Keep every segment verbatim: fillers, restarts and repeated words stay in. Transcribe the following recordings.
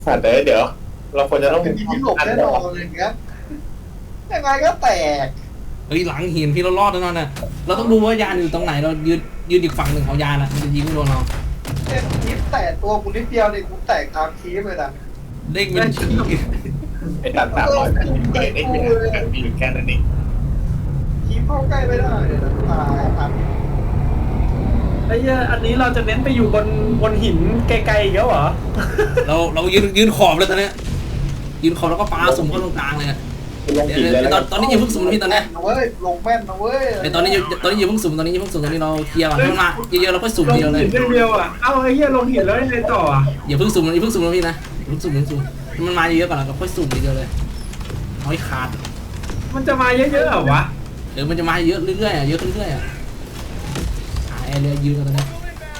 แต่เดี๋ยวเราควรจะต้องเป็นที่หลบแน่นอนอะไรอย่างเงี้ยยังไงก็แตกเฮ้ยหลังหินพี่เรารอดแน่นอนน่ะเราต้องดูว่ายานอยู่ตรงไหนเรายืนยืนอีกฝั่งหนึ่งของยานอ่ะมันจะยิงไม่โดนเราเป็นนิดแตกตัวกูนิดเดียวเนี่ยกูแตกตามคีบเลยนะเด้งเป็นชี้ไอ้ตัดสามร้อยแปดสิบเกิดได้เป็นแบบมีอยู่แค่นั้นเองคีบเข้าใกล้ไม่ได้เลยนะตายครับไอ้เหี้ยอันนี้เราจะเน้นไปอยู่บนบนหินไกลๆอีกแล้วเหรอเราเรายืนยืนขอบเลยตอนนี้ยืนขอบแล้วก็ปาสุ่มเข้าตรงกลางเลยตอนตอนนี้อย่าเพิ่งสุ่มพี่ตอนนี้เว้ยลงแม่นนะเว้ยในตอนนี้ตอนนี้อย่าเพิ่งสุ่มตอนนี้อย่าเพิ่งสุ่มตอนนี้เราเคลียร์ก่อนให้มันมาเยอะๆเราค่อยสุ่มเดียวเลยลงหินเดียวอ่ะเอ้าไอ้เหี้ยลงหินแล้วยังไงต่ออ่ะอย่าเพิ่งสุ่มอย่าเพิ่งสุ่มนะพี่นะอย่าเพิ่งสุ่มอย่าเพิ่งสุ่มมันมาเยอะๆก่อนแล้วก็ค่อยสุ่มเดียวเลยเอาให้ขาดมันจะมาเยอะๆเหรอวะเดี๋ยวมันจะมาเยอะเรื่อยๆเยอะขึ้นเรื่อยๆอ่ะหาแอร์เรียยืนกันตอนนี้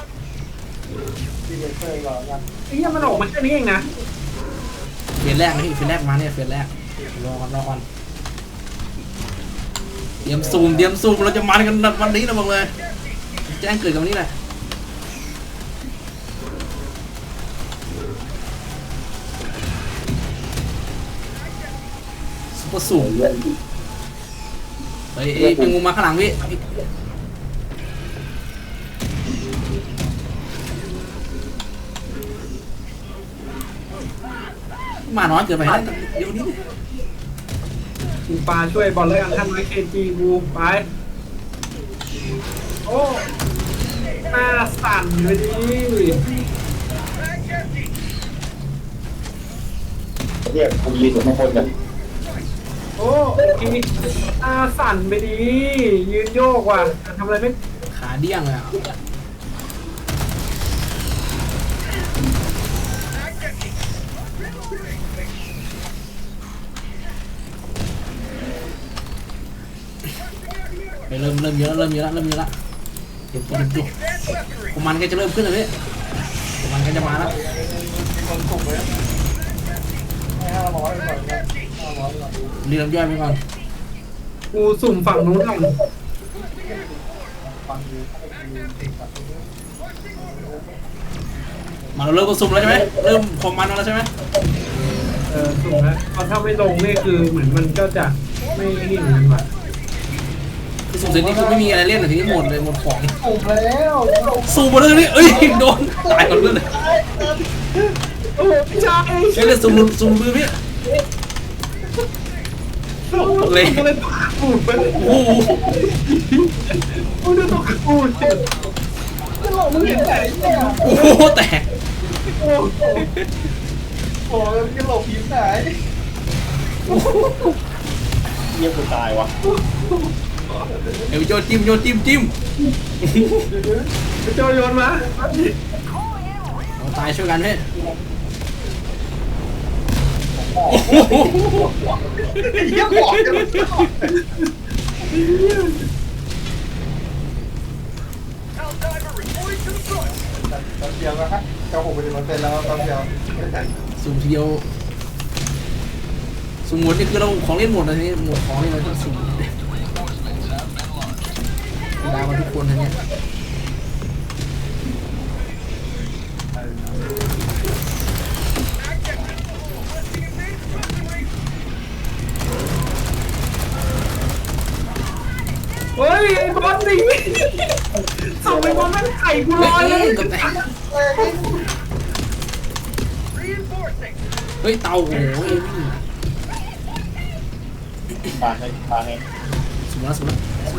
ไอ้เหี้ยมันออกมาแค่นี้เองนะเฟสแรกนะพี่เฟสแรกมาเนี่ยเฟสแรกรอก่อนรอก่อนเตรียมซูมเตรียมซูมเราจะมากันวันนี้นะบอกเลยแจ้งเกิดกับวันนี้แหละซุปเปอร์สูงเฮ้ยเป็นงูมาข้างหลังพี่มาน้อยเกินไปแล้วเดี๋ยวนี้กูปลาช่วยบอลเลยอันทันไว้เคจีกูไปโอ้หน้าสั่นเลยดิเรียกคุณยืนอยู่ข้างบนกันโอ้ทีหน้าสั่นไปดิยืนโยกว่ะทำอะไรไม่ขาเดี้ยงเลยอ่ะเริ่มเริ่มเยอะเริ่มเยอะเริ่มเยอะละเดี๋ยวตัวเดี๋ยวผมมันก็จะเริ่มขึ้นเลยพี่ผมมันก็จะมาแล้วเรียงย่อยไปก่อนกูสุ่มฝั่งนู้นก่อนมาเราเริ่มก็สุ่มแล้วใช่ไหมเริ่มความมันแล้วใช่ไหมเออสุ่มแล้วพอถ้าไม่ลงนี่คือเหมือนมันก็จะไม่เห็นมันว่ะคือสุ่มเสร็จนี่คือไม่มีอะไรเล่นแต่ทีนี้หมดเลยหมดของสุ่มแล้วสุ่มหมดเลยนี่เอ้ยโดนตายก่อนเลยโอ้พี่ชายเฮ้ยสุ่มสุ่มมือพี่เลยเลยตกปูดไปโอ้โหโอ้ดูตกปูดเจ็บก็หลอกมึงเห็นไหนเนี่ยโอ้โหแตกโอ้โหมึงจะหลบผีไหนเยี่ยมกูตายวะเดี๋ยวโยนจิ้มโยนจิ้มจิ้มไปโจโยนมาเราตายช่วยกันเฮ้ยเยี่ยมบอกกันตอนเดียวนะฮะเก้าหกเป็นเปอร์เซ็นต์แล้วตอนเดียวสุ่มเดียวสุ่มหมดนี่คือเราของเล่นหมดเลยทีนี้หมดของนี่เราต้องสุ่มดาวมาทุกคนนะเนี่ยเฮ้ยไอ้บอลนี่ส่งไปบอลแม่งไข่กูลอยเลยเฮ้ยเตาโอ้ยปาให้ปาให้สุ่มแล้วสุ่มแล้ว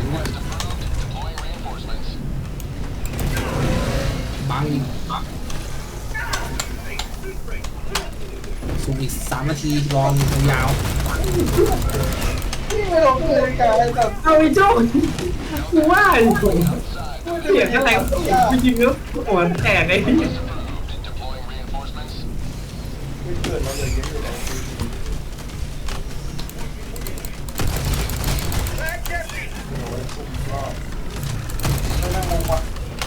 บังอีกสุ่มอีกสามนาทีรอนยาวไม่ลงเลยกันแบบเอาไอ้โจ้กูว่าไอ้เสียงอะไรจริงๆแล้วหัวแตกไอ้ไม่เกิดเราเลยเยอะอยู่แล้วไม่น่างงว่ะ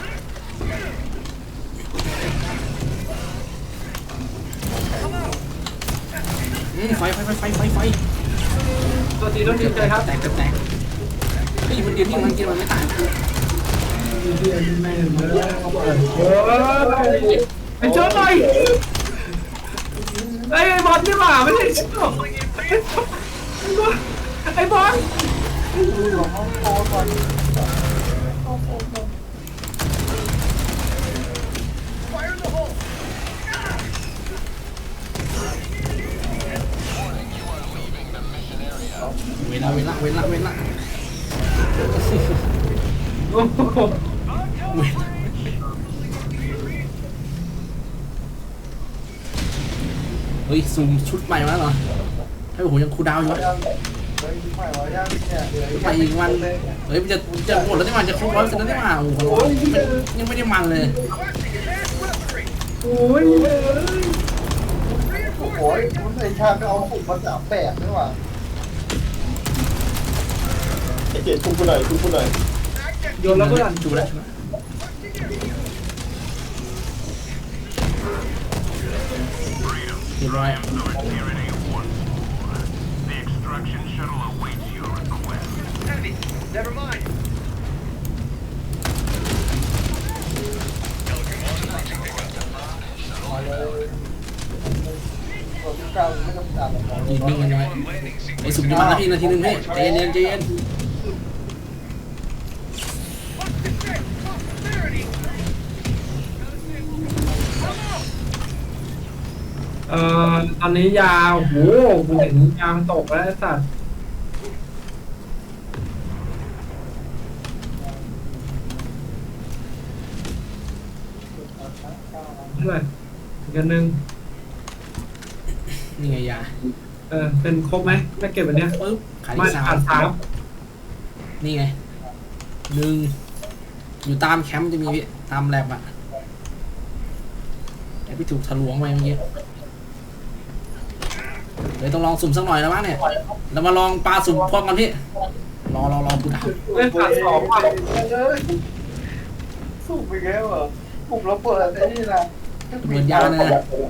ไฟไฟไฟไฟไฟไฟตัวตีต้องดีใจครับแตกแตกเฮ้ยมันเดียวที่มันกินมันไม่ตายไอ้เจ้าหน่อยไอ้ไอ้บอลนี่หว่าไม่ใช่ชิบไอ้บอลดูอยู่ห้องโถงก่อนห้องโถงก่อนเวลาเวลาเวลาเวลาโอ้โหเวลาเฮ้ยซูมชุดใหม่มาแล้วเหรอให้ผมยังคูลดาวน์อยู่วะยังเฮ้ยใหม่วะยังเนี่ยเหลือไปอีกวันเฮ้ยมันจะจะหมดแล้วที่มันจะครบร้อยเปอร์เซ็นต์แล้วที่มาโอ้โหยังไม่ได้มันเลยโอ้ยโอ้ยคุณไอ้ชาก็เอาหุ่นมาสามแปดนี่หว่าไอ้เจ็ดคุณกูหน่อยคุณกูหน่อยโยนแล้วเพื่อนจูแล้วจูแล้วเรียบร้อยมาเลยตัวที่เก้าไม่ต้องการหรอกยิงนิ่งกันยังไงไอ้สุ่มจะมาแล้วพี่นาทีนึงพี่ใจเย็นใจเย็นเอ่อตอนนี้ยาวโหกูเห็นยางตกแล้วไอ้สัตว์เท่าไหร่อีกอันหนึ่งนี่ไงยาเออเป็นครบไหมไม่เก็บอันเนี้ยปึ๊บขายไม่ที่สาขาดมสามนี่ไงหนึ่งอยู่ตามแคมป์จะมีพี่ตามแลบอะแต่พี่ถูกทะลวงไปเมื่อกี้เดี๋ยวต้องลองสุ่มสักหน่อยแล้วมั้งเนี่ยเรามาลองปลาสุ่มพร้อมกันพี่รอรอรอกูดาวเล่นขาดสองว่ะเลยสู้ไปแล้วเหรอปุ่มระเบิดไอ้นี่นะเหมือนยาเลยนะ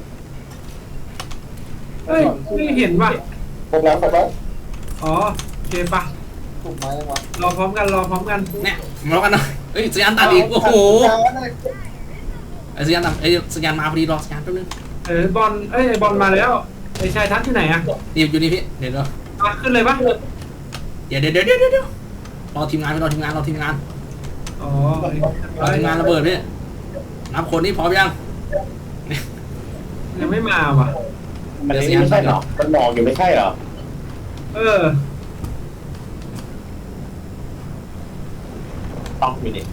เฮ้ยไม่เห็นว่ะครบแล้วครบแล้วอ๋อโอเคปะปุ่มไม้ยังวะรอพร้อมกันรอพร้อมกันเนี่ยมาลองกันหน่อยเฮ้ยสัญญาณตัดอีกโอ้โหไอ้สัญญาณตัดไอ้สัญญาณมาพอดีรอสัญญาณแป๊บนึงเออบอลเอ้ยไอ้บอลมาแล้วไอ้ชายทัศน์ที่ไหนอะนี่อยู่นี่พี่เดี๋ยวเดี๋ยวมาขึ้นเลยปะเดี๋ยวเดี๋ยวเดี๋ยวเดี๋ยวเดี๋ยวรอทีมงานไปรอทีมงานรอทีมงานอ๋อรอทีมงานระเบิดพี่นับคนนี่พร้อมยังยังไม่มาว่ะมันนี่ไม่ใช่หรอมันมองอยู่ไม่ใช่หรอเออต้องมีดิ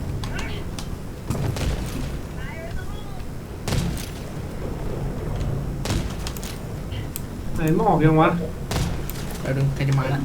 ไหนหมอกยังวะแป๊บนึงใครจะมาแล้ว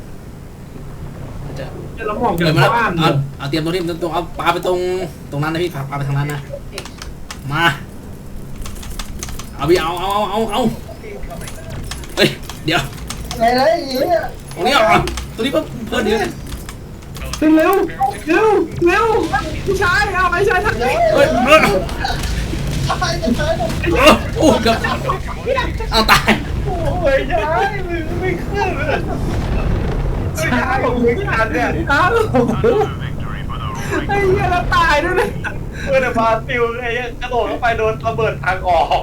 จะแล้วหมอกเกิยัดงมาแล้วบ้านเลเอายเอาเตรียมตัวนี้ตรงเอาปลาไปตรงตรงนั้นนะพี่ปลาไปทางนั้นนะมาเอาพี่เอาเอาเอาเอาเฮ้ยเดี๋ยวไหนไหนอีกเนี่ยตรงนี้เอาตัวนี้เพิ่มเพิ่มเดี๋ยวขึ้นเร็วเร็วเร็วพี่ชายเอาไอ้ชายทัศน์เฮ้ยเฮ้ยตายจะตายหมดโอ้เกือบเอาตายโอ้ยย้ายมึงไม่ขึ้นเลยไม่ใช่ผมไม่ทันเนี่ยอ้าวไอ้เหี้ยแล้วตายด้วยเลยเพื่อนบราซิลไอ้กระโดดเข้าไปโดนระเบิดทางออก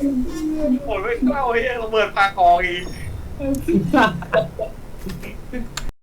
โหไม่เข้าไอ้ระเบิดทางออกอีก